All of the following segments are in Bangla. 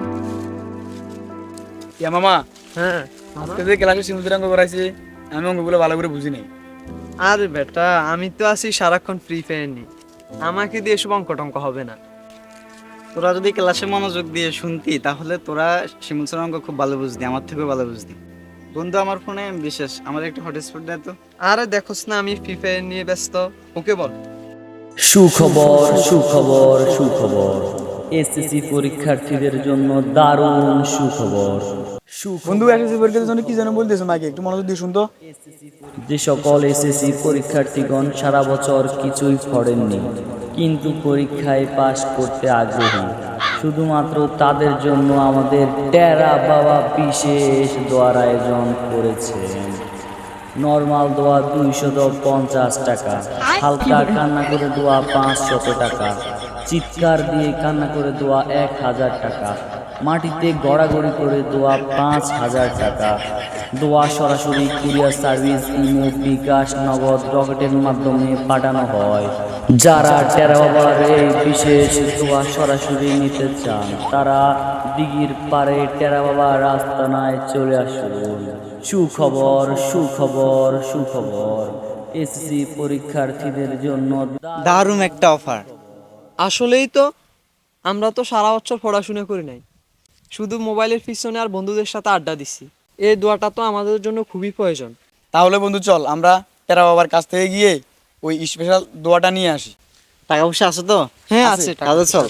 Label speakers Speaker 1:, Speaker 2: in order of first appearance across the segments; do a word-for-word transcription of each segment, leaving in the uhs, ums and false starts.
Speaker 1: ইয়া মামা,
Speaker 2: হ্যাঁ
Speaker 1: আজকে যে ক্লাসে সিমুদ্র অঙ্ক করাইছি আমি অঙ্কগুলো ভালো করে বুঝি নাই।
Speaker 2: আরে বেটা, আমি তো আছি সারাক্ষণ ফ্রি ফায়ার নিয়ে, আমাকে দিয়ে এসব অঙ্ক টঙ্ক হবে না।
Speaker 3: তোরা যদি ক্লাসে মনোযোগ দিয়ে শুনতি তাহলে তোরা শিমুল স্যারের অঙ্ক খুব ভালো বুঝতি, আমার থেকেও ভালো বুঝতি। বন্ধু আমার ফোনে বিশেষ আমার একটা হটস্পট দেয় তো।
Speaker 2: আরে দেখোস না আমি ফ্রি ফায়ার নিয়ে ব্যস্ত, ওকে বল।
Speaker 4: সুখবর সুখবর সুখবর এসএসসি পরীক্ষার্থীদের জন্য দারুণ সুখবর।
Speaker 1: বন্ধু এসএসসি পরীক্ষার জন্য কি যেন বলতেছো মাকে, একটু মনোযোগ দিয়ে শুনতো।
Speaker 4: যে সকল এসএসসি পরীক্ষার্থীগণ সারা বছর কিছুই পড়েননি কিন্তু পরীক্ষায় পাশ করতে আগ্রহী, শুধুমাত্র তাদের জন্য আমাদের টেরা বাবা বিশেষ দোয়ার আয়োজন করেছেন। নর্মাল দোয়া দুইশত পঞ্চাশ টাকা, হালকা কান্না করে দোয়া পাঁচশত টাকা, চিৎকার দিয়ে কান্না করে দোয়া এক হাজার টাকা, মাটিতে গড়াগড়ি করে দোয়া পাঁচ হাজার টাকা। দোয়া সরাসরি কুরিয়ার সার্ভিস, ইমো, বিকাশ, নগদ, রকেটের মাধ্যমে পাঠানো হয়। যারা টেরা বাবার এই বিশেষ দোয়া সরাসরি নিতে চান তারা দিঘির পাড়ে টেরা বাবার আস্তানায় চলে আসুন। সুখবর সুখবর সুখবর এসএসসি পরীক্ষার্থীদের জন্য
Speaker 3: দারুণ একটা অফার।
Speaker 2: আসলেই তো, আমরা তো সারা বছর পড়াশোনা করি নাই, শুধু মোবাইলের পিছনে আর বন্ধুদের সাথে আড্ডা দিচ্ছি। এই দোয়াটা তো আমাদের জন্য খুবই প্রয়োজন।
Speaker 1: তাহলে বন্ধু চল আমরা টেরা বাবার কাছ থেকে গিয়ে ওই স্পেশাল দোয়াটা নিয়ে আসি।
Speaker 3: টাকা পয়সা আছে তো?
Speaker 2: হ্যাঁ আছে, টাকা
Speaker 3: তাহলে চল।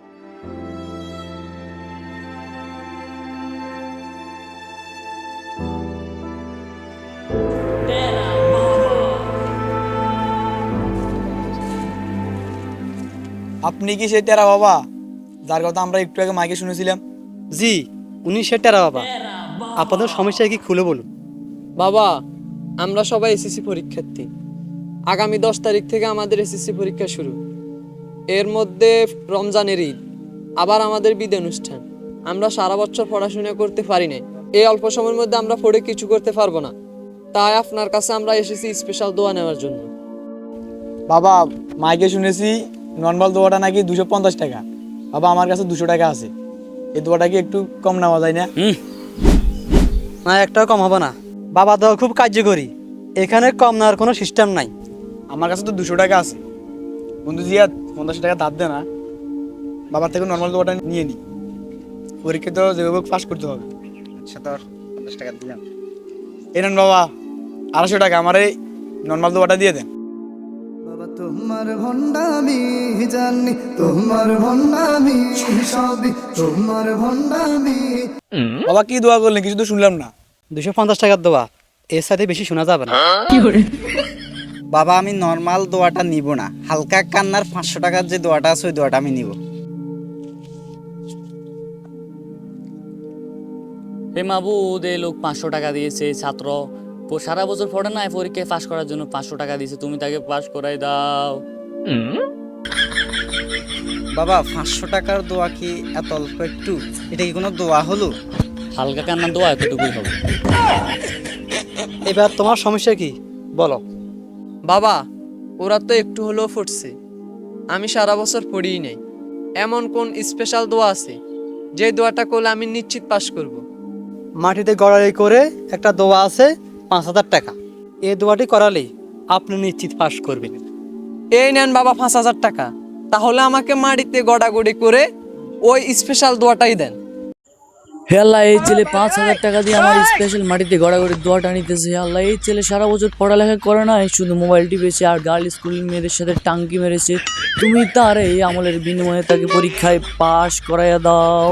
Speaker 1: আপনি কি সেই টেরা বাবা যার কথা আমরা একটু আগে মাইকে শুনেছিলাম?
Speaker 5: জি, উনি সেটারা বাবা। আপনাদের সমস্যা কি খুলে বলুন।
Speaker 2: বাবা, আমরা সবাই এসএসসি পরীক্ষার্থী। আগামী দশ তারিখ থেকে আমাদের এসএসসি পরীক্ষা শুরু। এর মধ্যে রমজানের ঈদ, আবার আমাদের বিদায় অনুষ্ঠান। আমরা সারা বছর পড়াশোনা করতে পারি না, এই অল্প সময়ের মধ্যে আমরা পড়ে কিছু করতে পারবো না। তাই আপনার কাছে আমরা এসেছি স্পেশাল দোয়া নেওয়ার জন্য।
Speaker 1: বাবা, মাইকে শুনেছি নর্মাল দোয়াটা নাকি দুশো পঞ্চাশ টাকা। বাবা আমার কাছে দুশো টাকা আছে, এই দোয়াটা কি একটু কম নেওয়া যায় না?
Speaker 5: না, একটাও কম হবে না। বাবা দেওয়া খুব কার্যকরী, এখানে কম নেওয়ার কোনো সিস্টেম নাই।
Speaker 1: আমার কাছে তো দুশো টাকা আছে। বন্ধু জিয়াদ পঞ্চাশ টাকা ধার দে না, বাবার থেকে নর্মাল দোয়াটা নিয়ে নি, পরীক্ষা তো যেভাবে পাস করতে হবে।
Speaker 3: আচ্ছা তোর পঞ্চাশ টাকা দিলাম।
Speaker 1: এই নেন বাবা আড়াইশো টাকা, আমার এই নর্মাল দোয়াটা দিয়ে দেন।
Speaker 6: বাবা তোমার ভণ্ডামি জানি, তোমার ভণ্ডামি সবই তোমার ভণ্ডামি।
Speaker 1: বাবা কি দোয়া করলেন কিছু তো শুনলাম না।
Speaker 5: দুশো পঞ্চাশ টাকার দেওয়া, এর সাথে বেশি শোনা যাবে না।
Speaker 3: বাবা আমি নর্মাল দোয়াটা নিব না, হালকা কান্নার পাঁচশো টাকার যে দোয়াটা আছে ওই দোয়াটা আমি নিব।
Speaker 7: হে মাবুদ, এই লোক পাঁচশো টাকা দিয়েছে, ছাত্র প- সারা বছর পড়ে না, পরীক্ষায় পাশ করার জন্য পাঁচশো টাকা দিয়েছে, তুমি তাকে পাশ করাই দাও।
Speaker 3: বাবা পাঁচশো টাকার দোয়া কি এত অল্প একটু? এটা কি কোনো দোয়া হলো?
Speaker 7: হালকা কান্না দোয়া এতটুকুই হবে।
Speaker 5: এবার তোমার সমস্যা কি বলো।
Speaker 2: বাবা, ওরা তো একটু হলেও ফুটছে, আমি সারা বছর পড়িই নাই। এমন কোন স্পেশাল দোয়া আছে যে দোয়াটা করলে আমি নিশ্চিত পাস করব?
Speaker 5: মাটিতে গড়াই করে একটা দোয়া আছে, পাঁচ হাজার টাকা। এই দোয়াটি করালেই আপনি নিশ্চিত পাস করবেন।
Speaker 2: এই নেন বাবা পাঁচ হাজার টাকা, তাহলে আমাকে মাটিতে গড়াগড়ি করে ওই স্পেশাল দোয়াটাই দেন।
Speaker 7: হে আল্লাহ, এই ছেলে পাঁচ হাজার টাকা দিয়ে আমার স্পেশাল মাটিতে গড়াগড়ি দোয়াটা নিতেছে। হে আল্লাহ, এই ছেলে সারা বছর পড়ালেখা করে না, শুধু মোবাইল টিপেছে আর গার্ল স্কুলের মেয়েদের সাথে টাঙ্কি মেরেছে। তুমি তার এই আমলের বিনিময়ে তাকে পরীক্ষায় পাশ করাইয়া দাও।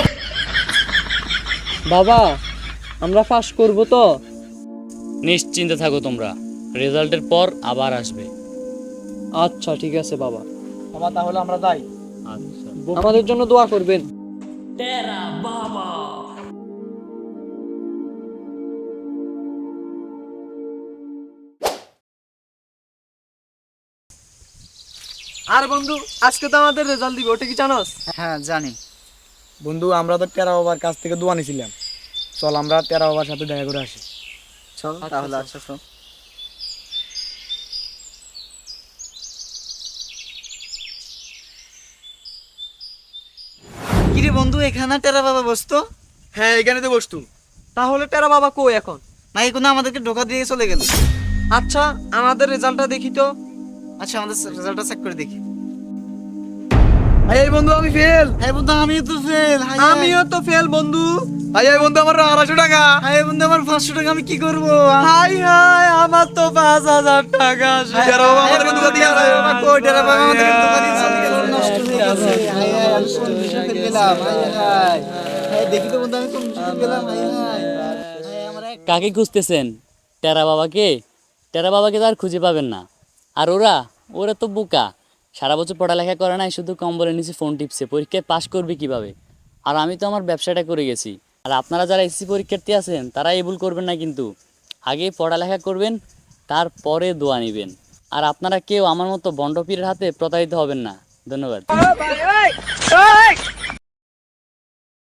Speaker 2: বাবা, আমরা পাস করব তো?
Speaker 7: নিশ্চিন্তে থাকো তোমরা, রেজাল্টের পর আবার আসবে।
Speaker 2: আচ্ছা ঠিক আছে বাবা,
Speaker 1: বাবা তাহলে আমরা যাই।
Speaker 7: আচ্ছা।
Speaker 2: আমাদের জন্য দোয়া করবেন। আর বন্ধু, আজকে তো আমাদের রেজাল্ট দিবে, ওটা কি জানোস?
Speaker 3: হ্যাঁ জানি।
Speaker 1: বন্ধু আমরা তো টেরা বাবার কাছ থেকে দোয়া নিয়েছিলাম, চল আমরা টেরা বাবার সাথে দেখা করে আসি।
Speaker 3: চল তাহলে। আচ্ছা শোন,
Speaker 5: কি রে
Speaker 3: কিরে বন্ধু, এখানে টেরা বাবা বসতো?
Speaker 1: হ্যাঁ এখানে তো বসতু।
Speaker 2: তাহলে টেরা বাবা কই এখন?
Speaker 3: নাকি কোনো আমাদেরকে ধোকা দিয়ে চলে গেল?
Speaker 2: আচ্ছা আমাদের রেজাল্টটা দেখি তো।
Speaker 3: আচ্ছা আমাদের রেজাল্টটা চেক করে দেখি।
Speaker 1: ভাই এই বন্ধু আমি ফেল।
Speaker 3: হ্যাঁ বন্ধু আমিও তো ফেল।
Speaker 2: আমিও তো ফেল বন্ধু।
Speaker 1: ভাই এই বন্ধু আমার আড়াইশো টাকা।
Speaker 3: হ্যাঁ বন্ধু আমার পাঁচশো টাকা, আমি কি করবো?
Speaker 2: হাই হাই আমার তো পাঁচ হাজার টাকা শেষ।
Speaker 1: টেরা বাবা আমাদেরকে ধোকা দিয়ে গেছে।
Speaker 3: কই টেরা বাবা আমাদেরকে ধোকা দিয়ে চলে গেল, নষ্ট হয়ে গেছে। হায় হায়, আমি কোন বিষয় ফেল গেলাম? হায় হায়, হায় দেখি তো বন্ধু আমি কোন বিষয় ফেল গেলাম? হায় হায়, হায় আমার এক-
Speaker 4: কাকে খুঁজতেছেন? টেরা বাবাকে? টেরা বাবাকে তো আর খুঁজে পাবেন না। আর ওরা ওরা তো বোকা, সারা বছর পড়ালেখা করে নাই, শুধু কম্বলের নিচে ফোন টিপছে, পরীক্ষায় পাশ করবে কিভাবে? আর আমি তো আমার ব্যবসাটা করে গেছি। আর আপনারা যারা এসএসসি পরীক্ষার্থী আছেন তারা এই ভুল করবেন না, কিন্তু আগে পড়ালেখা করবেন, তারপরে দোয়া নেবেন। আর আপনারা কেউ আমার মতো বন্ডপীরের হাতে প্রতারিত হবেন না। ধন্যবাদ।